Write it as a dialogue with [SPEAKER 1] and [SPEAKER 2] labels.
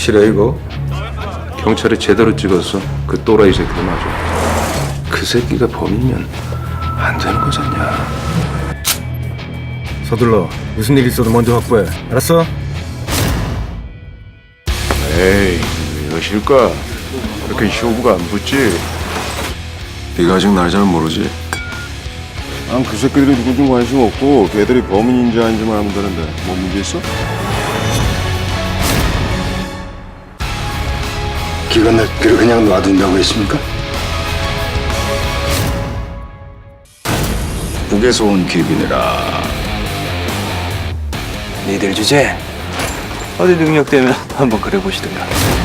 [SPEAKER 1] 확실해 이거? 경찰이 제대로 찍었어. 그 또라이 새끼도 맞아. 그 새끼가 범인이면 안 되는 거잖냐.
[SPEAKER 2] 서둘러. 무슨 일 있어도 먼저 확보해. 알았어?
[SPEAKER 1] 에이, 왜 이러실까? 그렇게 쇼부가 안 붙지? 네가 아직 날 잘 모르지? 난 그 새끼들이 누군지 관심 없고 걔들이 범인인지 아닌지만 하면 되는데 뭐 문제 있어?
[SPEAKER 3] 길 건널 길을 그냥 놔둔다고 했습니까?
[SPEAKER 4] 북에서 온 귀빈이라.
[SPEAKER 5] 니들 주제 어디 능력되면 한번 그래 보시든가.